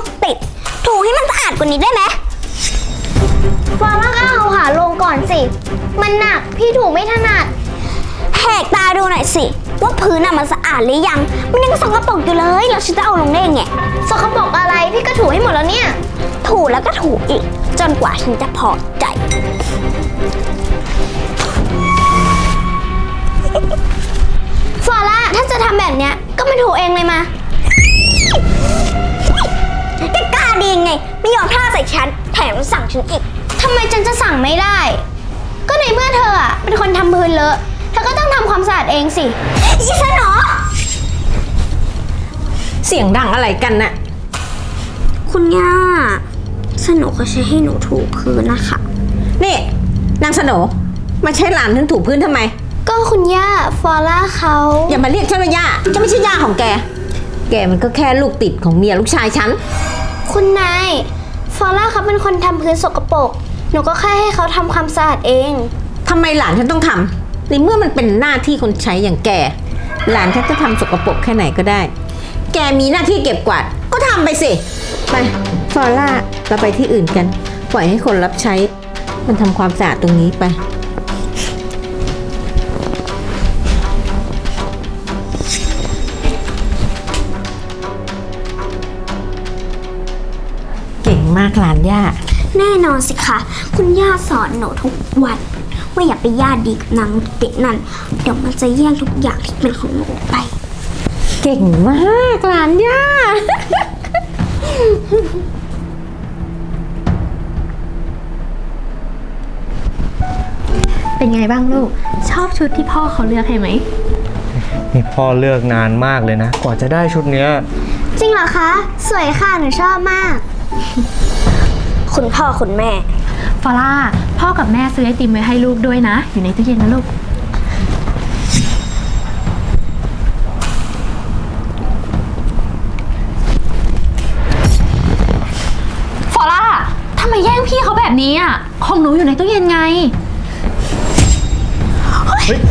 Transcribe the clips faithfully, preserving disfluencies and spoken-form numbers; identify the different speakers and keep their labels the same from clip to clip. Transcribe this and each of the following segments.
Speaker 1: กติดถูให้มันสะอาดกว่านี้ได้ไหม
Speaker 2: ฟอร่าก็เอาขาลงก่อนสิมันหนักพี่ถูไม่ถนัด
Speaker 1: แหกตาดูหน่อยสิว่าพื้นน่ะมันสะอาดหรือยังมันยังสกปรกอยู่เลยแล้วฉันจะเอาลงได้ยังไง
Speaker 2: สกปรกอะไรพี่ก็ถูให้หมดแล้วเนี่ย
Speaker 1: ถูแล้วก็ถูอีกจนกว่าฉันจะพอใจ
Speaker 2: ฟอร่าถ้าจะทำแบบเนี้ยก็มาถูเองเลยมา
Speaker 1: แกกล้าดียังไงไม่ยอมท่าใส่ฉันแถมสั่งฉันอีก
Speaker 2: ทำไมฉันจะสั่งไม่ได้ก็ในเมื่อเธออ่ะเป็นคนทำพื้นเลอะเธอก็ต้องทำความสะอาดเองสิ
Speaker 1: อีฉันเหรอ
Speaker 3: เสียงดังอะไรกันน่ะ
Speaker 1: คุณย่าสนุกเขาใช้ให้หนูถูพื้นนะคะ
Speaker 3: นี่นางสโหนมาใช้หลานฉันถูพื้นทำไม
Speaker 2: ก็คุณย่าฟอร่าเขา
Speaker 3: อย่ามาเรียกฉันว่าย่าจะไม่ใช่ย่าของแกแกมันก็แค่ลูกติดของเมียลูกชายฉัน
Speaker 2: คุณนายฟอร่าเขาเป็นคนทำพื้นสกปรกหนูก็แค่ให้เขาทำความสะอาดเอง
Speaker 3: ทำไมหลานฉันต้องทำในเมื่อมันเป็นหน้าที่คนใช้อย่างแกหลานฉันจะทำสกปรกแค่ไหนก็ได้แกมีหน้าที่เก็บกวาดก็ทำไปสิไปฟอร่าเราไปที่อื่นกันปล่อยให้คนรับใช้มันทำความสะอาดตรงนี้ไปเก่งมากหลานย่า
Speaker 1: แน่นอนสิคะคุณย่าสอนหนูทุกวันว่าอย่าไปย่าดีกับนางเด็กนั่นเดี๋ยวมันจะแย่งทุกอย่างที่เป็นของหนูไป
Speaker 3: เก่งมากหลานย่า
Speaker 4: เป็นไงบ้างลูกชอบชุดที่พ่อเขาเลือกให้ไหม
Speaker 5: นี่พ่อเลือกนานมากเลยนะกว่าจะได้ชุดเนี้ย
Speaker 2: จริงเหรอคะสวยค่ะหนูชอบมาก
Speaker 1: คุณพ่อคุณแม่
Speaker 4: ฟอร่าพ่อกับแม่ซื้อไอติมไว้ให้ลูกด้วยนะอยู่ในตู้เย็นนะลูกฟอร่าทำไมแย่งพี่เขาแบบนี้อ่ะของหนูอยู่ในตู้เย็นไงเฮ้ย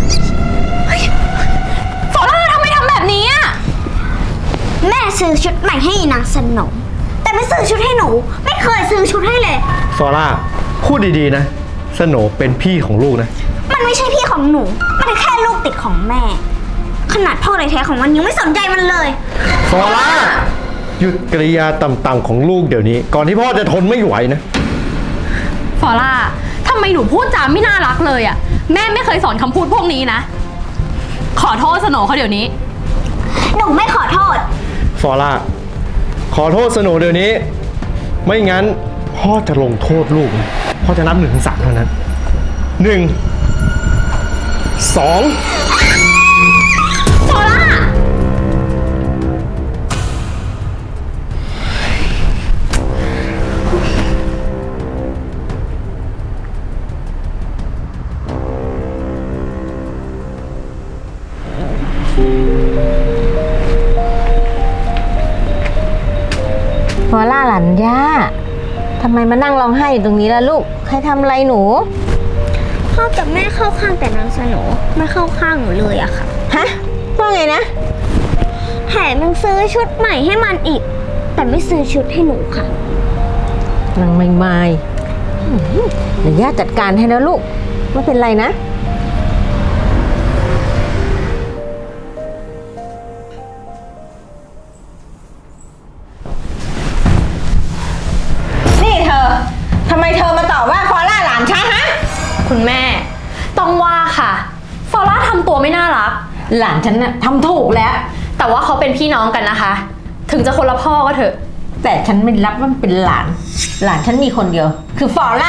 Speaker 4: ฟอร่าทำไมทำแบบนี้อ่ะ
Speaker 1: แม่ซื้อชุดใหม่ให้นางสนมแต่ไม่ซื้อชุดให้หนูไม่เคยซื้อชุดให้เลย
Speaker 5: ฟอร่าพูดดีๆนะสโหนเป็นพี่ของลูกนะ
Speaker 1: มันไม่ใช่พี่ของหนูมันแค่ลูกติดของแม่ขนาดพ่อแท้ๆของมันยังไม่สนใจมันเลย
Speaker 5: ฟอร่าหยุดกริยาต่ำๆของลูกเดี๋ยวนี้ก่อนที่พ่อจะทนไม่ไหวนะ
Speaker 4: ฟอร่าทำไมหนูพูดจาไม่น่ารักเลยอ่ะแม่ไม่เคยสอนคำพูดพวกนี้นะขอโทษสโหนเขาเดี๋ยวนี้
Speaker 1: หนูไม่ขอโทษ
Speaker 5: ฟอร่าขอโทษสโหนเดี๋ยวนี้ไม่งั้นพ่อจะลงโทษลูกนะพ่อจะนับหนึ่งถึงสามเท่านั้นหนึ่งสอง
Speaker 4: ฟอร่า
Speaker 3: ฟอร่าหลานย่าทำไมมานั่งร้องไห้อยู่ตรงนี้ล่ะลูกใครทำอะไรหนู
Speaker 1: พ่อกับแม่เข้าข้างแต่นางสโหนไม่เข้าข้างหนูเลยอะค่ะ
Speaker 3: ฮะว่าไงนะ
Speaker 1: แถมยังซื้อชุดใหม่ให้มันอีกแต่ไม่ซื้อชุดให้หนูค่ะ
Speaker 3: นางไม่ไม่เดี๋ยวย่าจัดการให้แล้วลูกไม่เป็นไรนะทำไมเธอมาต่อว่าฟอร่าหลานฉันฮะ
Speaker 4: คุณแม่ต้องว่าค่ะฟอร่าทำตัวไม่น่ารัก
Speaker 3: หลานฉันน่ะทำถูกแล้ว
Speaker 4: แต่ว่าเขาเป็นพี่น้องกันนะคะถึงจะคนละพ่อก็เถอะ
Speaker 3: แต่ฉันไม่รับว่ามันเป็นหลานหลานฉันมีคนเดียวคือฟอร่า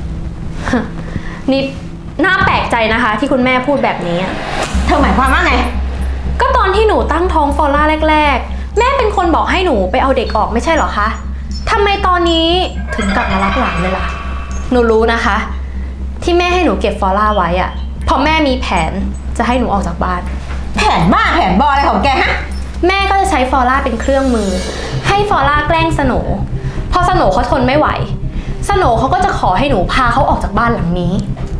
Speaker 4: นี่น่าแปลกใจนะคะที่คุณแม่พูดแบบนี้
Speaker 3: เธอหมายความว่าไง
Speaker 4: ก็ตอนที่หนูตั้งท้องฟอร่าแรกๆแม่เป็นคนบอกให้หนูไปเอาเด็กออกไม่ใช่หรอคะทำไมตอนนี้ถึงกลับมารักหลานเลยล่ะหนูรู้นะคะที่แม่ให้หนูเก็บฟอร่าไว้อะเพราะแม่มีแผนจะให้หนูออกจากบ้าน
Speaker 3: แผนบ้าแผนบออะไรของแกฮะ
Speaker 4: แม่ก็จะใช้ฟอร่าเป็นเครื่องมือให้ฟอร่าแกล้งสโหนพอสโหนเขาทนไม่ไหวสโหนเขาก็จะขอให้หนูพาเขาออกจากบ้านหลังนี้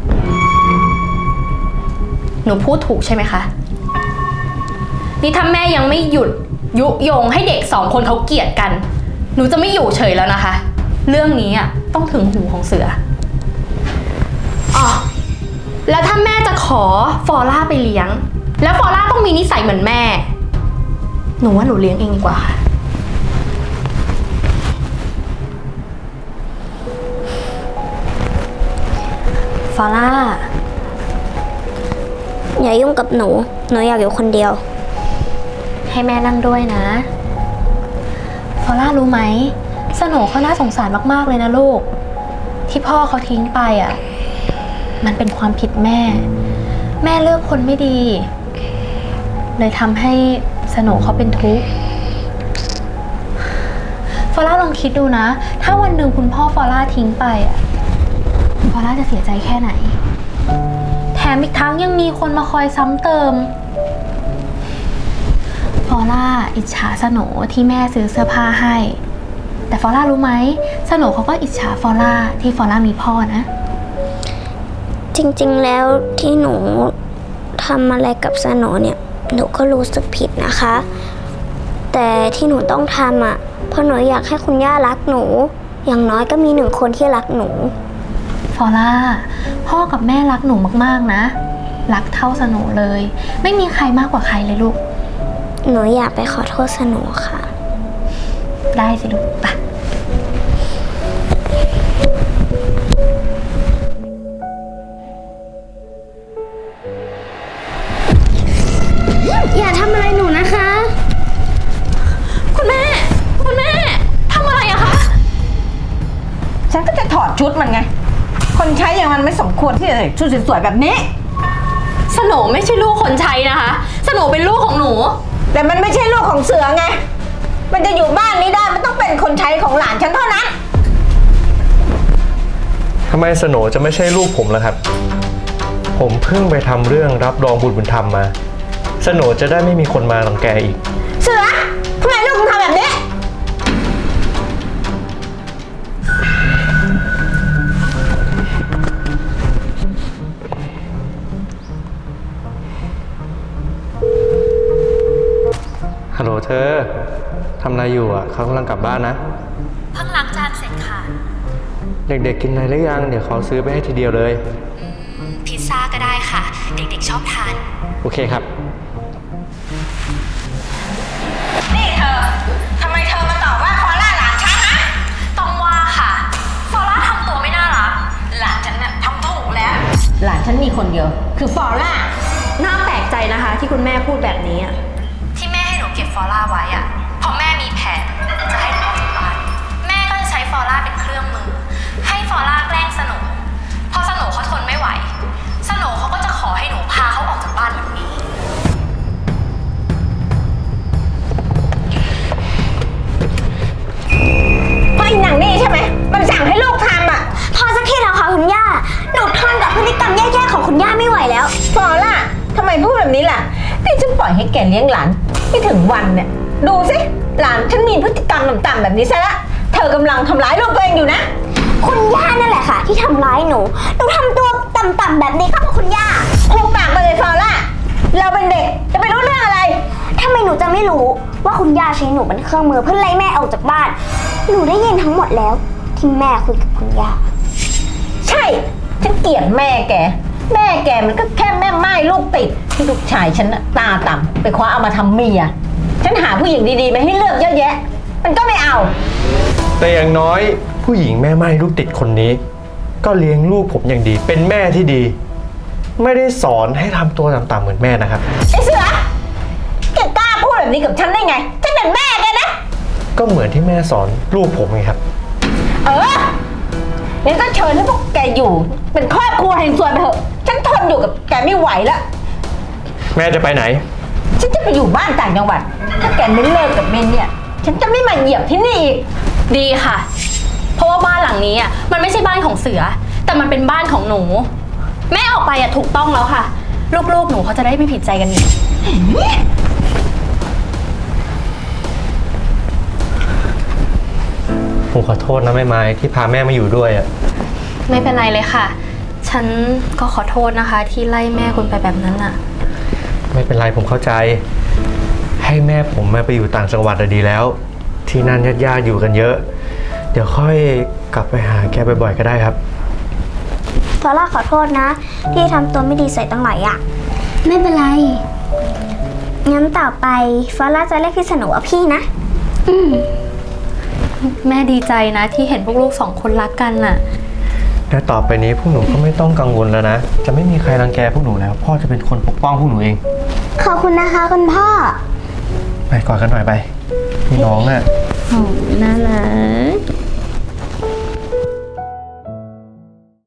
Speaker 4: หนูพูดถูกใช่ไหมคะนี่ถ้าแม่ยังไม่หยุดยุยงให้เด็กสองคนเขาเกลียดกันหนูจะไม่อยู่เฉยแล้วนะคะ เรื่องนี้อ่ะต้องถึงหูของเสืออ๋อแล้วถ้าแม่จะขอฟอร่าไปเลี้ยง แล้วฟอร่าต้องมีนิสัยเหมือนแม่ หนูว่าหนูเลี้ยงเองดีกว่าค่ะฟอร่า
Speaker 1: อย่ายุ่งกับหนู หนูอยากอยู่คนเดียว
Speaker 4: ให้แม่นั่งด้วยนะฟอร่ารู้ไหมสโหนเขาน่าสงสารมากๆเลยนะลูก ที่พ่อเขาทิ้งไปอ่ะ มันเป็นความผิดแม่ แม่เลือกคนไม่ดี เลยทำให้สโหนเขาเป็นทุกข์ฟอร่าลองคิดดูนะ ถ้าวันหนึ่งคุณพ่อฟอร่าทิ้งไปอ่ะฟอร่าจะเสียใจแค่ไหน แถมอีกทั้งยังมีคนมาคอยซ้ำเติมฟอร่าอิจฉาสโหนที่แม่ซื้อเสื้อผ้าให้ แต่ฟอร่ารู้ไหมสโหนเขาก็อิจฉาฟอร่าที่ฟอร่ามีพ่อนะ
Speaker 1: จริงๆแล้วที่หนูทำอะไรกับสโหนเนี่ย หนูก็รู้สึกผิดนะคะ แต่ที่หนูต้องทำอ่ะเพราะหนูอยากให้คุณย่ารักหนู อย่างน้อยก็มีหนึ่งคนที่รักหนู
Speaker 4: ฟอร่าพ่อกับแม่รักหนูมากๆนะ รักเท่าสโหนเลย ไม่มีใครมากกว่าใครเลยลูก
Speaker 1: หนูอยากไปขอโทษสโหนค่ะ
Speaker 4: ได้สิลูกไป
Speaker 1: อย่าทำอะไรหนูนะคะ
Speaker 4: คุณแม่ คุณแม่ทำอะไรอะคะ
Speaker 3: ฉันก็จะถอดชุดมันไง คนใช้อย่างมันไม่สมควรที่จะใส่ชุดสวยๆแบบนี้
Speaker 4: สโหนไม่ใช่ลูกคนใช้นะคะสโหนเป็นลูกของหนู
Speaker 3: แต่มันไม่ใช่ลูกของเสือไง มันจะอยู่บ้านนี้ได้มันต้องเป็นคนใช้ของหลานฉันเท่านั้น
Speaker 5: ทำไมสโหนจะไม่ใช่ลูกผมล่ะครับ ผมเพิ่งไปทำเรื่องรับรองบุตรบุญธรรมมาสโหนจะได้ไม่มีคนมารังแกอีก
Speaker 3: เสือทำไมลูกมึงทำแบบนี้
Speaker 5: ฮัลโหลเธอ ทำอะไรอยู่อ่ะ เขากำลังกลับบ้านนะ
Speaker 4: เพิ่งล้างจานเสร็จค่ะ
Speaker 5: เด็กๆกินอะไรหรือยัง เดี๋ยวเขาซื้อไปให้ทีเดียวเลย
Speaker 4: พิซซ่าก็ได้ค่ะ เด็กๆชอบทาน
Speaker 5: โอเคครับ
Speaker 3: นี่เธอทำไมเธอมาต่อว่าฟอร่าหลานฉันฮะ
Speaker 4: ต้องว่าค่ะฟอร่าทำตัวไม่น่ารัก
Speaker 3: หลานฉันน่ะทำถูกแล้ว หลานฉันมีคนเดียว คือฟอร่า
Speaker 4: น่าแปลกใจนะคะที่คุณแม่พูดแบบนี้อะที่แม่ให้หนูเก็บฟอร่าไว้อะเพราะแม่มีแผนจะให้หนูออกจากบ้านแม่ก็จะใช้ฟอร่าเป็นเครื่องมือ ให้ฟอร่าแกล้งสโหนพอสโหนเขาทนไม่ไหวสโหนเขาก็จะขอให้หนูพาเขาออกจากบ้านแบบนี้
Speaker 3: เพราะอีหนังนี่ใช่ไหม มันสั่งให้ลูกทำอ่ะ
Speaker 1: พอสักทีแล้วค่ะคุณย่า หนูทนกับพฤติกรรมแย่ๆของคุณย่าไม่ไหวแล้ว
Speaker 3: ฟอร่าทำไมพูดแบบนี้ล่ะนี่ฉันปล่อยให้แกเลี้ยงหลานไม่ถึงวันเนี่ย ดูสิ หลานฉันมีพฤติกรรมต่ำๆแบบนี้ซะละ เธอกำลังทำร้ายลูกตัวเองอยู่นะ
Speaker 1: คุณย่านั่นแหละค่ะ ที่ทำร้ายหนู หนูทำตัวต่ำๆแบบนี้ก็เพราะคุณย่า
Speaker 3: คุกปากไปเลยฟอร่า เราเป็นเด็กจะไปรู้เรื่องอะไร
Speaker 1: ทำไมหนูจะไม่รู้ว่าคุณย่าใช้หนูเป็นเครื่องมือเพื่อไล่แม่ออกจากบ้าน หนูได้ยินทั้งหมดแล้ว ที่แม่คุยกับคุณย่า
Speaker 3: ใช่ ฉันเกลียดแม่แก แม่แกมันก็แค่แม่ไม้ลูกติดที่ลูกชายฉันน่ะตาต่ำไปคว้าเอามาทำเมีย ฉันหาผู้หญิงดีๆมาให้เลือกเยอะแยะ มันก็ไม่เอา
Speaker 5: แต่อย่างน้อยผู้หญิงแม่ไม้ลูกติดคนนี้ ก็เลี้ยงลูกผมอย่างดี เป็นแม่ที่ดี ไม่ได้สอนให้ทำตัวต่ำๆเหมือนแม่นะครับ
Speaker 3: ไอ้เสือ แกกล้าพูดแบบนี้กับฉันได้ไง ฉันเป็นแม่แกนะ
Speaker 5: ก็เหมือนที่แม่สอนลูกผมไงครับ
Speaker 3: เอองั้นก็เชิญให้พวกแกอยู่ เป็นครอบครัวแห่งส่วนไปเถอะ ฉันทนอยู่กับแกไม่ไหวแล้ว
Speaker 5: แม่จะไปไหน
Speaker 3: ฉันจะไปอยู่บ้านต่างจังหวัด ถ้าแกไม่เลิกกับเมนเนี่ย ฉันจะไม่มาเหยียบที่นี่อีก
Speaker 4: ดีค่ะ เพราะว่าบ้านหลังนี้อ่ะมันไม่ใช่บ้านของเสือ แต่มันเป็นบ้านของหนู แม่ออกไปอ่ะถูกต้องแล้วค่ะ ลูกๆหนูเขาจะได้ไม่ผิดใจกันอีก
Speaker 5: ผมขอโทษนะแม่ไม้ที่พาแม่มาอยู่ด้วยอ่ะ
Speaker 4: ไม่เป็นไรเลยค่ะ ฉันก็ขอโทษนะคะ ที่ไล่แม่คุณไปแบบนั้นน่ะ
Speaker 5: ไม่เป็นไรผมเข้าใจ ให้แม่ผมมาไปอยู่ต่างจังหวัดอะดีแล้วที่นั่นญาติๆอยู่กันเยอะ เดี๋ยวค่อยกลับไปหาแกบ่อยๆก็ได้ครับ
Speaker 1: ฟอร่าขอโทษนะ ที่ทำตัวไม่ดีใส่ตั้งหลายอย่าง
Speaker 2: ไม่เป็นไร
Speaker 1: งั้นต่อไปฟอร่าจะเรียกพี่สโหนว่าพี่นะ
Speaker 4: แม่ดีใจนะที่เห็นพวกลูกสองคนรักกันน่ะ
Speaker 5: และต่อไปนี้พวกหนูก็ไม่ต้องกังวลแล้วนะ จะไม่มีใครรังแกพวกหนูแล้ว พ่อจะเป็นคนปกป้องพวกหนูเอง
Speaker 2: ขอบคุณนะคะคุณพ่อ
Speaker 5: ไปกอดกันหน่อยไปพี่น้องน่ะ
Speaker 4: น่ารัก